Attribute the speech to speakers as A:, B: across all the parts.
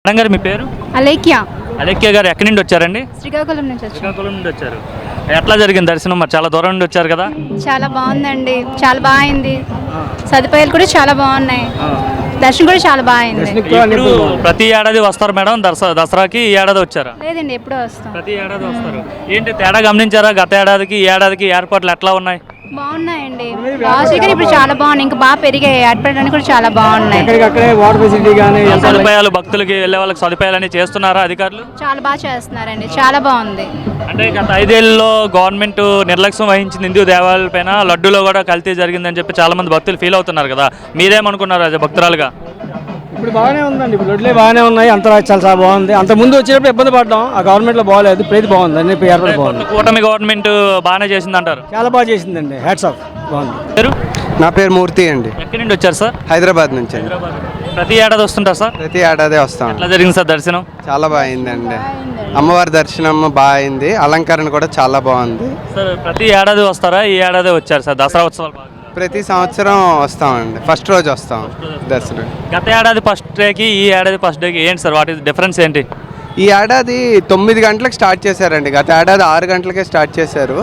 A: Madam గారు మీ పేరు?
B: అలేఖ్య.
A: అలేఖ్య గారు ఎక్కడి నుండి వచ్చారండి?
B: శ్రీకాకుళం నుంచి వచ్చాను.
A: శ్రీకాకుళం నుండి వచ్చారు. ఎట్లా జరిగింది దర్శనం? మరి చాలా దూరం నుండి వచ్చారు కదా.
B: చాలా బాగుందండి, చాలా బాగా అయింది. సదుపాయాలు కూడా చాలా బాగున్నాయి. దర్శనం కూడా చాలా బాగా అయింది.
A: ఇప్పుడు ప్రతి ఏడాది వస్తారు మేడం దసరాకి? ఈ ఏడాది వచ్చారా?
B: లేదండి, ఎప్పుడో వస్తాం.
A: ప్రతి ఏడాది వస్తారు. ఏంటి తేడా గమనించారా? గత ఏడాదికి ఈ ఏడాదికి ఏర్పాట్లు ఎట్లా ఉన్నాయి?
B: బాగున్నాయండి. లాస్ట్ ఇయర్ ఇప్పుడు చాలా బాగున్నాయి, ఇంకా బాగా పెరిగాయి. ఏర్పడడానికి కూడా చాలా బాగున్నాయి.
A: సదుపాయాలు భక్తులకి వెళ్ళే వాళ్ళకి సదుపాయాలు చేస్తున్నారా అధికారులు?
B: చాలా బాగా చేస్తున్నారండి, చాలా బాగుంది.
A: అంటే గత 5 ఏళ్ళలో గవర్నమెంట్ నిర్లక్ష్యం వహించింది హిందూ దేవాలయాల పైన. లడ్డూలో కూడా కల్తీ జరిగిందని చెప్పి చాలా మంది భక్తులు ఫీల్ అవుతున్నారు కదా. మీరేమనుకున్నారు అది భక్తురాలుగా?
C: ఇప్పుడు బాగానే ఉందండి, ఇప్పుడు లడ్లే బాగానే ఉన్నాయి. అంత చాలా బాగుంది. అంత ముందు వచ్చేటప్పుడు ఇబ్బంది పడ్డాం, ఆ గవర్నమెంట్లో బాగాలేదు. ఇప్పుడు బాగుంది అన్ని ఏర్పాటు బాగుంది.
A: కూటమి గవర్నమెంట్ బాగానే చేసింది అంటారు?
C: చాలా బాగా చేసిందండి, హ్యాట్స్ ఆఫ్. బాగుంది.
A: పేరు?
D: నా పేరు మూర్తి అండి.
A: ఎక్కడి నుండి వచ్చారు సార్?
D: హైదరాబాద్ నుంచి అండి.
A: ప్రతి ఏడాది వస్తుంటారు సార్?
D: ప్రతి ఏడాది వస్తాం.
A: ఎట్లా జరిగింది సార్ దర్శనం?
D: చాలా బాగుందండి. అమ్మవారి దర్శనం బాగుంది, అలంకరణ కూడా చాలా బాగుంది.
A: సార్ ప్రతి ఏడాది వస్తారా? ఈ ఏడాది వచ్చారు సార్ దసరా ఉత్సవాలు?
D: ప్రతి సంవత్సరం వస్తామండి, ఫస్ట్ రోజు వస్తాం దర్శనం.
A: గత ఏడాది ఫస్ట్ డేకి ఈ ఏడాది ఫస్ట్ డేకి ఏంటి సార్ వాటి డిఫరెన్స్ ఏంటి?
D: ఈ ఏడాది 9 గంటలకు స్టార్ట్ చేశారండి, గత ఏడాది 6 గంటలకే స్టార్ట్ చేశారు.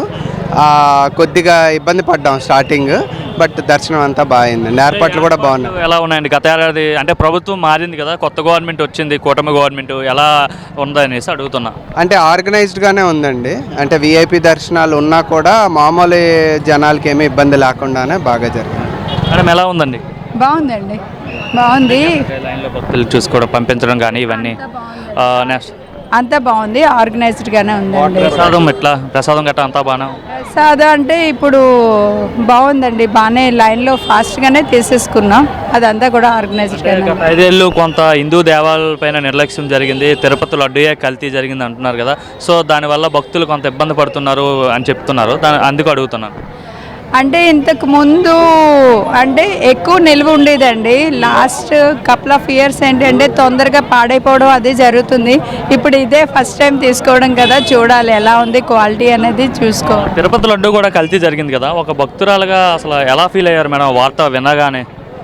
D: కొద్దిగా ఇబ్బంది పడ్డాం స్టార్టింగ్, బట్ దర్శనం అంతా బాగుందండి. ఏర్పాట్లు కూడా బాగున్నాయి.
A: ఎలా ఉన్నాయండి? గత ఏడాది అంటే ప్రభుత్వం మారింది కదా, కొత్త గవర్నమెంట్ వచ్చింది, కూటమి గవర్నమెంట్, ఎలా ఉందనేసి అడుగుతున్నా.
D: అంటే ఆర్గనైజ్డ్గానే ఉందండి. అంటే విఐపి దర్శనాలు ఉన్నా కూడా మామూలు జనాలకి ఏమీ ఇబ్బంది లేకుండానే బాగా జరిగింది.
A: మేడం ఎలా ఉందండి?
B: బాగుందండి, బాగుంది.
A: లైన్లో భక్తులు చూసుకోవడం, పంపించడం కానీ ఇవన్నీ నెక్స్ట్
B: అంతా బాగుంది, ఆర్గనైజ్డ్గానే ఉందండి.
A: ప్రసాదం ఎట్లా? ప్రసాదం గట్రా అంతా బాగా?
B: ప్రసాదం అంటే ఇప్పుడు బాగుందండి, బాగానే లైన్లో ఫాస్ట్గానే తీసేసుకున్నాం. అదంతా కూడా ఆర్గనైజ్డ్గానే.
A: 5 ఏళ్ళు కొంత హిందూ దేవాలయాల పైన నిర్లక్ష్యం జరిగింది, తిరుపతి లడ్డూయే కల్తీ జరిగింది అంటున్నారు కదా. సో దానివల్ల భక్తులు కొంత ఇబ్బంది పడుతున్నారు అని చెప్తున్నారు, అందుకు అడుగుతున్నాను.
B: అంటే ఇంతకు ముందు అంటే ఎక్కువ నిల్వ ఉండేదండి. లాస్ట్ కపుల్ ఆఫ్ ఇయర్స్ ఏంటంటే తొందరగా పాడైపోవడం అది జరుగుతుంది. ఇప్పుడు ఇదే ఫస్ట్ టైం తీసుకోవడం కదా, చూడాలి ఎలా ఉంది క్వాలిటీ అనేది చూసుకోవాలి.
A: తిరుపతి లడ్డు కూడా కల్తీ జరిగింది కదా, ఒక భక్తురాలుగా అసలు ఎలా ఫీల్ అయ్యారు మేడం వార్త వినగానే?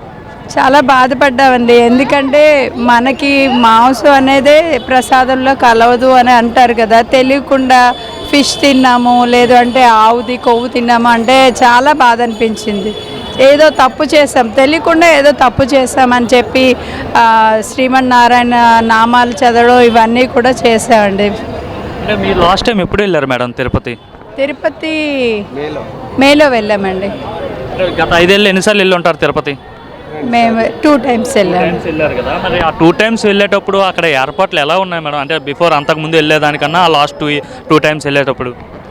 B: చాలా బాధపడ్డామండి, ఎందుకంటే మనకి మాంసం అనేదే ప్రసాదంలో కలవదు అని అంటారు కదా. తెలియకుండా ఫిష్ తిన్నాము, లేదు అంటే ఆవుది కొవ్వు తిన్నాము అంటే చాలా బాధ అనిపించింది. ఏదో తప్పు చేసాం, తెలియకుండా ఏదో తప్పు చేసామని చెప్పి శ్రీమన్నారాయణ నామాలు చదవడం ఇవన్నీ కూడా చేసామండి.
A: అంటే మీరు లాస్ట్ టైం ఎప్పుడు వెళ్ళారు మేడం తిరుపతి?
B: తిరుపతి మేలో వెళ్ళామండి.
A: గత 5 ఏళ్ళు ఎన్నిసార్లు వెళ్ళి ఉంటారు తిరుపతి?
B: మేము 2 times
A: వెళ్ళారు కదా. మరి ఆ 2 times వెళ్ళేటప్పుడు అక్కడ ఏర్పాట్లు ఎలా ఉన్నాయి మేడం? అంటే బిఫోర్ అంతకుముందు వెళ్ళేదానికన్నా లాస్ట్ 2 times వెళ్ళేటప్పుడు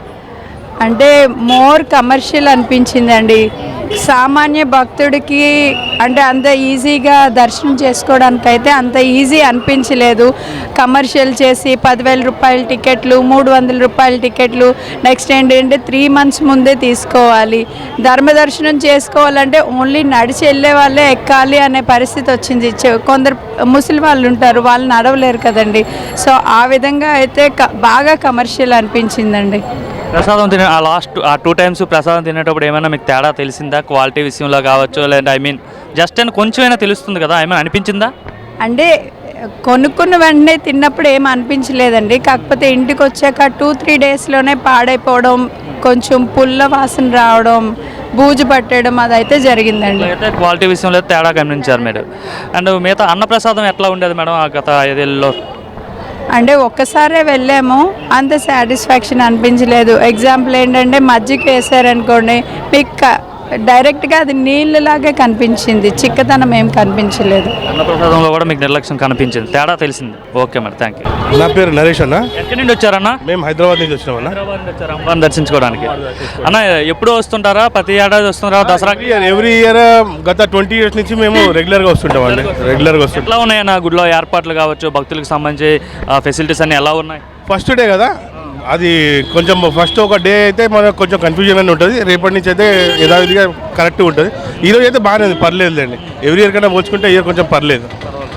B: అంటే మోర్ కమర్షియల్ అనిపించిందండి. సామాన్య భక్తుడికి అంటే అంత ఈజీగా దర్శనం చేసుకోవడానికైతే అంత ఈజీ అనిపించలేదు. కమర్షియల్ చేసి 10,000 రూపాయల టికెట్లు, 300 రూపాయల టికెట్లు, నెక్స్ట్ ఏంటంటే 3 months ముందే తీసుకోవాలి. ధర్మదర్శనం చేసుకోవాలంటే ఓన్లీ నడిచి వెళ్ళే వాళ్ళే ఎక్కాలి అనే పరిస్థితి వచ్చింది. కొందరు ముసలి వాళ్ళు ఉంటారు, వాళ్ళు నడవలేరు కదండి. సో ఆ విధంగా అయితే బాగా కమర్షియల్ అనిపించిందండి.
A: ప్రసాదం తినే ఆ 2 times ప్రసాదం తినేటప్పుడు ఏమైనా మీకు తేడా తెలిసిందా? క్వాలిటీ విషయంలో కావచ్చు, లేదంటే జస్ట్ అని కొంచెమైనా తెలుస్తుంది కదా, ఏమైనా అనిపించిందా?
B: అంటే కొనుక్కున్న వెంటనే తిన్నప్పుడు ఏం అనిపించలేదండి. కాకపోతే ఇంటికి వచ్చాక 2-3 daysలోనే పాడైపోవడం, కొంచెం పుల్ల వాసన రావడం, బూజు పట్టడం అదైతే జరిగిందండి.
A: అయితే క్వాలిటీ విషయంలో తేడా గమనించారు మీరు. అండ్ మిగతా అన్నప్రసాదం ఎట్లా ఉండేది మేడం గత 5 ఏళ్ళలో?
B: అంటే ఒక్కసారే వెళ్ళాము, అంత సాటిస్ఫాక్షన్ అనిపించలేదు. ఎగ్జాంపుల్ ఏంటంటే మజ్జిగ వేసారనుకోండి, మీకు డైరెక్ట్గా అది నీళ్ళలాగే కనిపించింది, చిక్కదనం ఏం కనిపించలేదు.
A: అన్నప్రసాదంలో కూడా మీకు నిర్లక్ష్యం కనిపించింది, తేడా తెలిసింది. Okay madam, thank you.
E: నా పేరు నరేష్ అన్న.
A: ఎక్కడి నుండి వచ్చారన్నా?
E: మేము హైదరాబాద్ నుంచి వచ్చినాం అన్న.
A: హైదరాబాద్ నుంచి వచ్చారు అమ్మవారిని దర్శించుకోవడానికి. అన్న ఎప్పుడు వస్తుంటారా? ప్రతి ఏడాది వస్తుంటారా దసరాకి?
E: ఎవ్రీ ఇయర్ గత 20 years నుంచి మేము రెగ్యులర్గా వస్తుంటాం అండి. రెగ్యులర్గా వస్తుంటాం.
A: ఎట్లా ఉన్నాయన్న గుడిలో ఏర్పాట్లు కావచ్చు, భక్తులకు సంబంధించి ఫెసిలిటీస్ అన్ని ఎలా ఉన్నాయి?
E: ఫస్ట్ డే కదా, అది కొంచెం ఫస్ట్ ఒక డే అయితే మనకు కొంచెం కన్ఫ్యూజన్ అని ఉంటుంది. రేపటి నుంచి అయితే యథావిధిగా కరెక్ట్గా ఉంటుంది. ఈరోజు అయితే బాగానే ఉంది, పర్లేదు అండి. ఎవ్రీ ఇయర్ కన్నా పోల్చుకుంటే ఇయర్ కొంచెం పర్లేదు.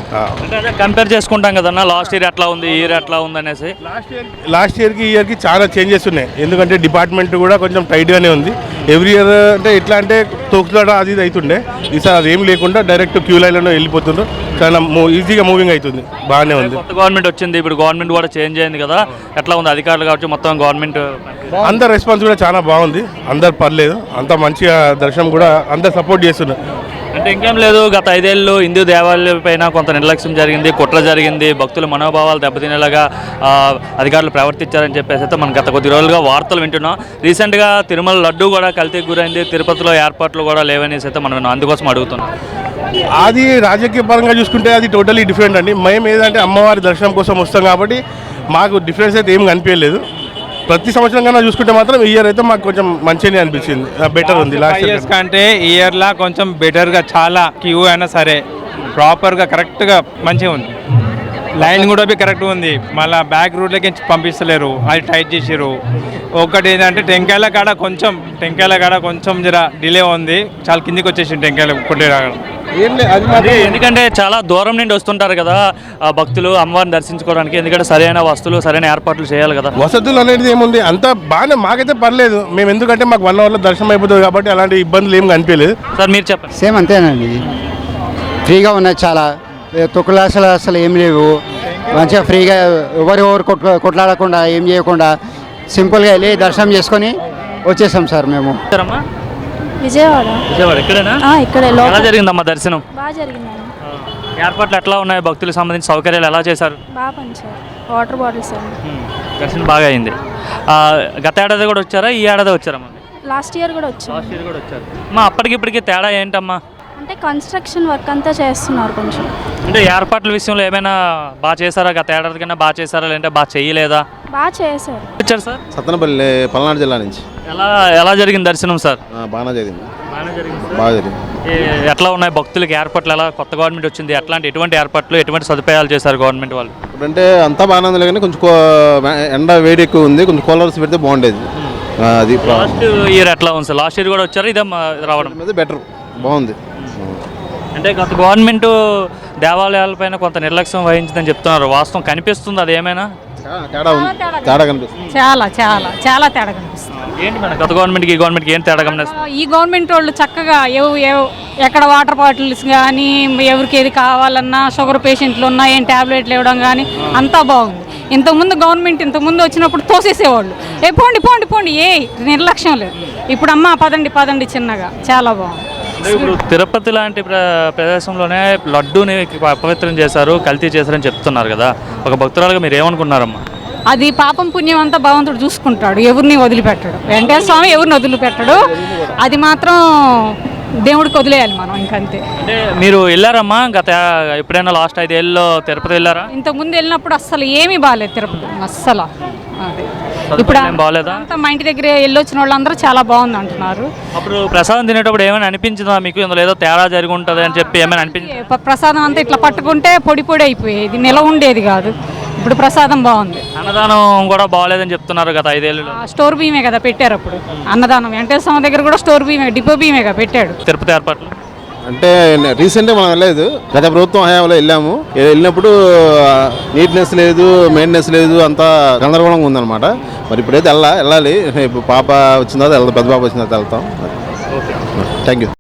A: అంటే అదే కంపేర్ చేసుకుంటాం కదన్నా, లాస్ట్ ఇయర్ ఎట్లా ఉంది, ఇయర్ ఎట్లా ఉంది అనేసి.
E: లాస్ట్ ఇయర్కి ఈ ఇయర్కి చాలా చేంజెస్ ఉన్నాయి. ఎందుకంటే డిపార్ట్మెంట్ కూడా కొంచెం టైట్గానే ఉంది. ఎవ్రీ ఇయర్ అంటే ఎట్లా అంటే తోకులాట అది ఇది అవుతుండే, ఈసారి అది ఏం లేకుండా డైరెక్ట్ క్యూ లైన్లో వెళ్ళిపోతుండ్రు. చాలా ఈజీగా మూవింగ్ అవుతుంది, బాగానే ఉంది.
A: కొత్త గవర్నమెంట్ వచ్చింది, ఇప్పుడు గవర్నమెంట్ కూడా చేంజ్ అయింది కదా, ఎట్లా ఉంది అధికారులు కావచ్చు మొత్తం గవర్నమెంట్?
E: అందరు రెస్పాన్స్ కూడా చాలా బాగుంది, అందరు పర్లేదు, అంత మంచిగా దర్శనం కూడా అందరు సపోర్ట్ చేస్తున్నారు.
A: అంటే ఇంకేం లేదు, గత 5 ఏళ్ళు హిందూ దేవాలయాల పైన కొంత నిర్లక్ష్యం జరిగింది, కుట్ర జరిగింది, భక్తుల మనోభావాలు దెబ్బతినేలాగా అధికారులు ప్రవర్తించారని చెప్పేసి అయితే మనం గత కొద్ది రోజులుగా వార్తలు వింటున్నాం. రీసెంట్గా తిరుమల లడ్డు కూడా కల్తీకి గురైంది, తిరుపతిలో ఏర్పాట్లు కూడా లేవనేసి అయితే మనం అందుకోసం అడుగుతున్నాం.
E: అది రాజకీయ పరంగా చూసుకుంటే అది టోటలీ డిఫరెంట్ అండి. మేము ఏదంటే అమ్మవారి దర్శనం కోసం వస్తాం కాబట్టి మాకు డిఫరెన్స్ అయితే ఏం కనిపించలేదు. ప్రతి సంవత్సరం కన్నా చూసుకుంటే మాత్రం ఈ ఇయర్ అయితే మాకు కొంచెం మంచిగా అనిపించింది, బెటర్ ఉంది. లాస్ట్ ఇయర్
F: కంటే ఈ ఇయర్లా కొంచెం బెటర్గా, చాలా క్యూ అయినా సరే ప్రాపర్గా కరెక్ట్గా మంచిగా ఉంది. లైన్ కూడా కరెక్ట్గా ఉంది. మళ్ళీ బ్యాక్ రూట్లకి పంపిస్తలేరు, అది టైట్ చేసారు. ఒకటి ఏంటంటే టెంకాయల కాడ కొంచెం జర డిలే ఉంది, చాలా కిందికి వచ్చేసి టెంకాయలు కొట్టే రాగడం.
A: ఎందుకంటే చాలా దూరం నుండి వస్తుంటారు కదా భక్తులు అమ్మవారిని దర్శించుకోవడానికి, ఎందుకంటే సరైన వస్తువులు సరైన ఏర్పాట్లు చేయాలి కదా.
E: వసతులు అనేది ఏముంది, అంత బాగానే, మాకైతే పర్లేదు. మేము ఎందుకంటే మాకు 1 అవర్లో దర్శనం అయిపోతుంది కాబట్టి అలాంటి ఇబ్బందులు ఏం కనిపించలేదు.
A: సార్ మీరు చెప్పండి.
G: సేమ్ అంతేనండి, ఫ్రీగా ఉన్నాయి, చాలా తొక్కులాసలు అసలు ఏం లేవు. మంచిగా ఫ్రీగా ఎవరు కొట్లాడకుండా ఏం చేయకుండా సింపుల్గా వెళ్ళి దర్శనం చేసుకొని వచ్చేసాం సార్ మేము.
B: విజయవాడ
A: ఎక్కడైనా
B: ఇక్కడే
A: ఎలా జరిగిందమ్మా దర్శనం?
B: బాగా జరిగిందండి.
A: ఏర్పాట్లు ఎట్లా ఉన్నాయి, భక్తులకు సంబంధించిన సౌకర్యాలు ఎలా చేశారు?
B: బాగా పంచారు, వాటర్ బాటిల్స్
A: దర్శనం బాగా అయింది. గత ఏడాది కూడా వచ్చారా, ఈ ఏడాది వచ్చారమ్మా?
B: లాస్ట్ ఇయర్ కూడా వచ్చారు.
A: లాస్ట్ ఇయర్ కూడా వచ్చారు. అమ్మా అప్పటికిప్పటికి తేడా ఏంటమ్మా?
B: అంటే కన్స్ట్రక్షన్ వర్క్ అంతా చేస్తున్నారు కొంచెం.
A: అంటే ఏర్పాట్ల విషయంలో ఏమైనా బాగా చేశారా, గత ఏడాది కన్నా బాగా చేశారా, లేదంటే బాగా చేయలేదా?
B: బాగా చేశారు.
A: వచ్చారు సార్
H: సత్తనపల్లి పల్నాడు జిల్లా నుంచి.
A: ఎలా జరిగింది దర్శనం సార్?
H: బాగా జరిగింది, బాగా జరిగింది.
A: ఎట్లా ఉన్నాయి భక్తులకి ఏర్పాట్లు? ఎలా కొత్త గవర్నమెంట్ వచ్చింది, ఎటువంటి ఏర్పాట్లు, ఎటువంటి సదుపాయాలు చేశారు గవర్నమెంట్ వాళ్ళు?
H: ఇప్పుడంటే అంతా బాగానే ఉంది, కానీ కొంచెం ఎండ వేడి ఎక్కువ ఉంది, కొంచెం కూలర్స్ పెడితే బాగుండేది. అది
A: లాస్ట్ ఇయర్ ఎట్లా ఉంది సార్? లాస్ట్ ఇయర్ కూడా వచ్చారు, ఇదే రావడం
H: మీద బెటర్, బాగుంది.
A: అంటే గత గవర్నమెంట్ దేవాలయాలపైన కొంత నిర్లక్ష్యం వహించిందని చెప్తున్నారు, వాస్తవం కనిపిస్తుంది అది ఏమైనా?
H: తేడా కనిపిస్తుంది,
I: చాలా చాలా చాలా తేడా కనిపిస్తుంది.
A: ఏంటి మేడం గత గవర్నమెంట్కి ఈ గవర్నమెంట్కి ఏం తేడా గమనిస్తుంది?
I: ఈ గవర్నమెంట్ వాళ్ళు చక్కగా ఎక్కడ వాటర్ బాటిల్స్ కానీ, ఎవరికి ఏది కావాలన్నా, షుగర్ పేషెంట్లు ఉన్నా ఏం ట్యాబ్లెట్లు ఇవ్వడం కానీ అంతా బాగుంది. ఇంతకుముందు గవర్నమెంట్ ఇంతకుముందు వచ్చినప్పుడు పోండి పోండి పోండి, నిర్లక్ష్యం లేదు. ఇప్పుడు అమ్మ పదండి చిన్నగా, చాలా బాగుంది.
A: ఇప్పుడు తిరుపతి లాంటి ప్రదేశంలోనే లడ్డూని అపవిత్రం చేశారు, కల్తీ చేశారని చెప్తున్నారు కదా, ఒక భక్తురాలుగా మీరు ఏమనుకున్నారమ్మా?
I: అది పాపం పుణ్యం అంతా భగవంతుడు చూసుకుంటాడు, ఎవరిని వదిలిపెట్టాడు. వెంకటేశ్వర స్వామి ఎవరిని వదిలిపెట్టాడు, అది మాత్రం దేవుడికి వదిలేయాలి మనం, ఇంకంతే.
A: అంటే మీరు వెళ్ళారమ్మా గత ఎప్పుడైనా లాస్ట్ 5 ఏళ్ళలో తిరుపతి వెళ్ళారా?
I: ఇంతకుముందు వెళ్ళినప్పుడు అస్సలు ఏమీ బాగాలేదు తిరుపతి, అస్సలు. అదే ఇప్పుడు
A: బాగాలేదా?
I: అంతా మా ఇంటి దగ్గర వెళ్ళొచ్చిన వాళ్ళందరూ చాలా బాగుంది అంటున్నారు.
A: అప్పుడు ప్రసాదం తినేటప్పుడు ఏమైనా అనిపించిందా మీకు, ఇందులో ఏదో తేడా జరిగి ఉంటుంది అని చెప్పి ఏమైనా అనిపించింది?
I: ప్రసాదం అంతా ఇట్లా పట్టుకుంటే పొడి అయిపోయేది, నిల ఉండేది కాదు. ఇప్పుడు ప్రసాదం బాగుంది.
A: అన్నదానం కూడా బాగాలేదని చెప్తున్నారు గత 5 ఏళ్ళలో.
I: స్టోర్ బియ్యమే కదా పెట్టారు అప్పుడు అన్నదానం. వెంకటేశ్వర స్వామి దగ్గర కూడా స్టోర్ బియ్యమే, డిపో బియ్యమేగా పెట్టాడు.
A: తిరుపతి ఏర్పాట్లు
H: అంటే రీసెంట్గా మనం వెళ్ళలేదు, గత ప్రభుత్వం హయాంలో వెళ్ళినప్పుడు నీట్నెస్ లేదు, మెయింటెనెన్స్ లేదు, అంతా గందరగోళంగా ఉందన్నమాట. మరి ఇప్పుడైతే వెళ్ళాలి. ఇప్పుడు పాప వచ్చిన తర్వాత వెళ్తాం, పెద్ద పాప వచ్చిన తర్వాత వెళ్తాం. Thank you.